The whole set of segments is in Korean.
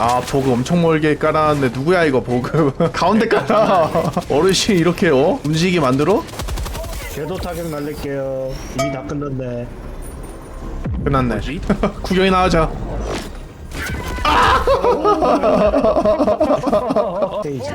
아 보급 엄청 멀게 깔아놨는데 누구야 이거 보급 가운데 깔아 어르신이 이렇게 움직이게 만들어? 궤도 타격 날릴게요. 이미 다 끝났네. 끝났네 구경이 나가자 스테이지.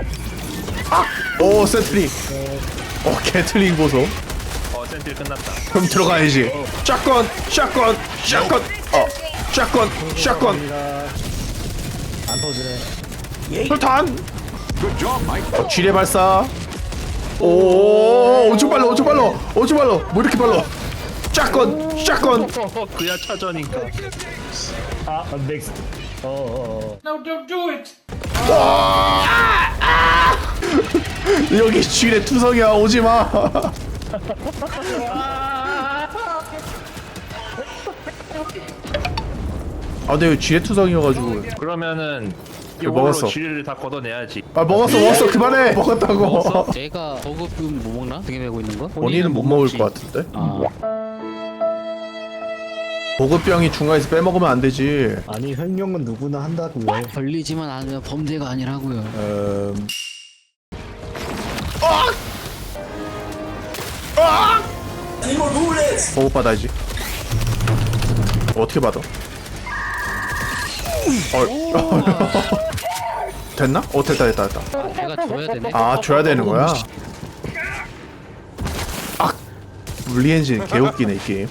오 세트링 게틀링 보소 센트리 끝났다. 그럼 들어가야지 샷건 샷건 샷건 샷건 샷건 안 터지네. 불탄 지뢰 발사 오 엄청 빨라 엄청 빨라 엄청 빨라 뭐 이렇게 빨라 샷건 샷건 그야 차저니까. 아, 넥스트. 여기 지뢰 투성이야 오지마 아 근데 이거 지뢰 투성이어가지고 그러면은 이거 이걸로 먹었어. 지뢰를 다 걷어내야지. 아 먹었어 그만해 먹었다고 먹었어? 내가 버그금 뭐 먹나? 등에 메고 있는 거? 본인은 못 먹을 것 같은데 아, 보급병이 중간에서 빼먹으면 안 되지 아니, 횡령은 누구나 한다고요. 걸리지만 않으면 범죄가 아니라고요. 보급 받아야지 어떻게 받아 됐나? 됐다 내가 줘야 되네. 아 줘야 되는 거야? 아 물리엔진 개웃기네 이 게임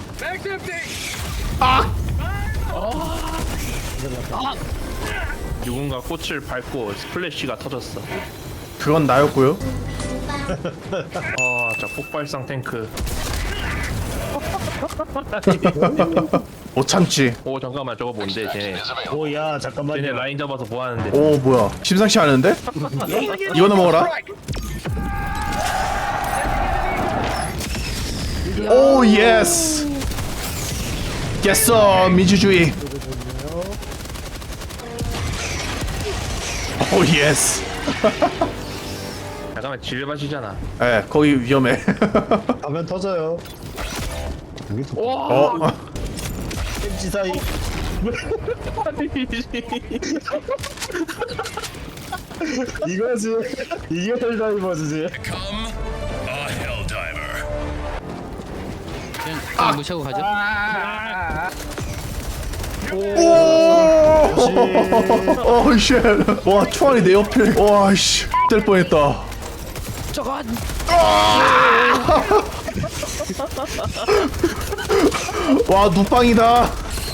누군가 꽃을 밟고 스플래시가 터졌어. 그건 나였고요 저 폭발성 탱크. 못 참지 오 잠깐만 저거 뭔데 쟤네. 오, 야, 쟤네 잠깐만요. 라인 잡아서 뭐 하는데? 오 뭐야 심상치 않은데? 이거나 먹어라 오 예스 깼어 민주주의 오 예스 잠깐만 지뢰밭이잖아. 에 거기 위험해 가면 터져요. 여기서 어 햄지 사이. 이거지. 이게 헬다이버즈지. 그냥 무시하고 가죠. 오쉣와 초안이 내 옆에 와씨 뗄 뻔했다 저건 와 누빵이다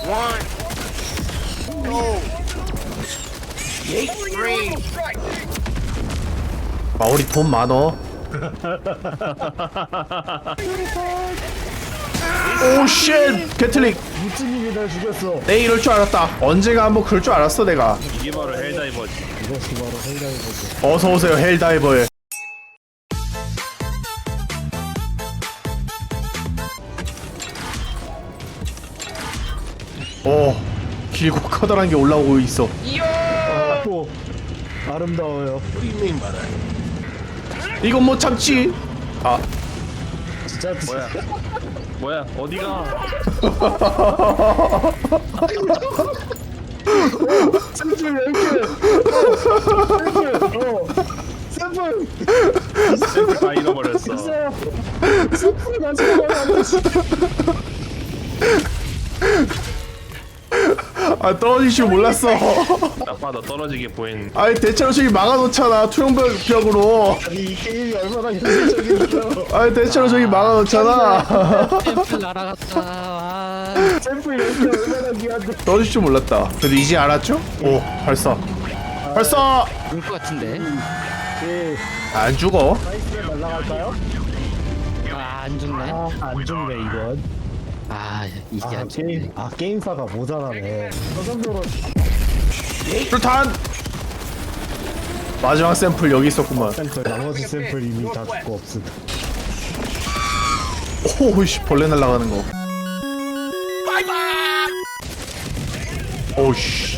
마오리 돈 많어 오쉣 게틀릭 무찌님이 날 죽였어. 내 이럴 줄 알았다 언제가 한번 그럴 줄 알았어 내가 이게 바로 헬다이버지. 이것이 바로 헬다이버즈. 어서오세요 헬다이버에 오 길고 커다란 게 올라오고 있어 또 아름다워요. 이건 못 참지 아 진짜 뭐야 어디가? 샘플 왜 이렇게? 샘플. 샘플 다 잃어버렸어. 샘플 가져가면 아 떨어질 줄 몰랐어 아빠 너 떨어지게 보이는. 아니 대체로 저기 막아놓잖아 투명벽으로 아니 이 게임이 얼마나 현실적인데요. 아니 대체로 저기 막아놓잖아 샘플 날아갔다. 아, 샘플 이렇게 얼마나 귀한데. 떨어질 줄 몰랐다 그래도 이제 알았죠? 오 발사 발사 올 것 같은데. 예. 안 죽어 사이트에 날라갈까요? 안 죽네. 안 죽네 이건. 이게 안 죽네. 게임사가 모자라네. 저 정도로 불탄 마지막 샘플 여기 있었구만 샘플 나머지 샘플 이미 다 죽고 없음. 오우씨 벌레 날아가는 거 오우씨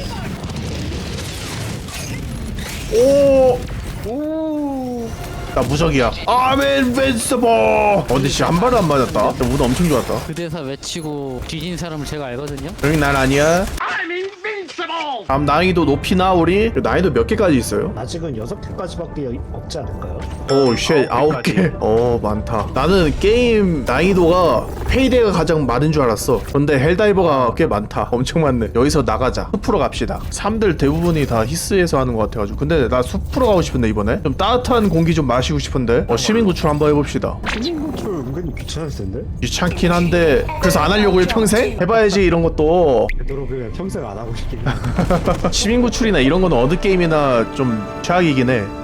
나 무적이야 아멘 벤스버 근데 진짜 한 발도 안 맞았다 운 엄청 좋았다 그 대사 외치고 뒤진 사람을 제가 알거든요. 여기 난 아니야 다음 난이도 높이나 우리 난이도 몇 개까지 있어요? 아직은 6개까지밖에 없지 않을까요? 오, 쉣, 9개. 많다. 나는 게임 난이도가 페이데이가 가장 많은 줄 알았어. 근데 헬다이버가 꽤 많다. 엄청 많네. 여기서 나가자. 숲으로 갑시다. 사람들 대부분이 다 히스에서 하는 것 같아가지고. 근데 나 숲으로 가고 싶은데 이번에 좀 따뜻한 공기 좀 마시고 싶은데. 시민 구출 한번 해봅시다. 신인구출 은근히 귀찮았을 텐데? 귀찮긴 한데 그래서 안 하려고요 평생? 해봐야지 이런 것도. 되도록 그냥 평생 안 하고 싶긴 해. 시민 구출이나 이런 거는 어느 게임이나 좀 최악이긴 해.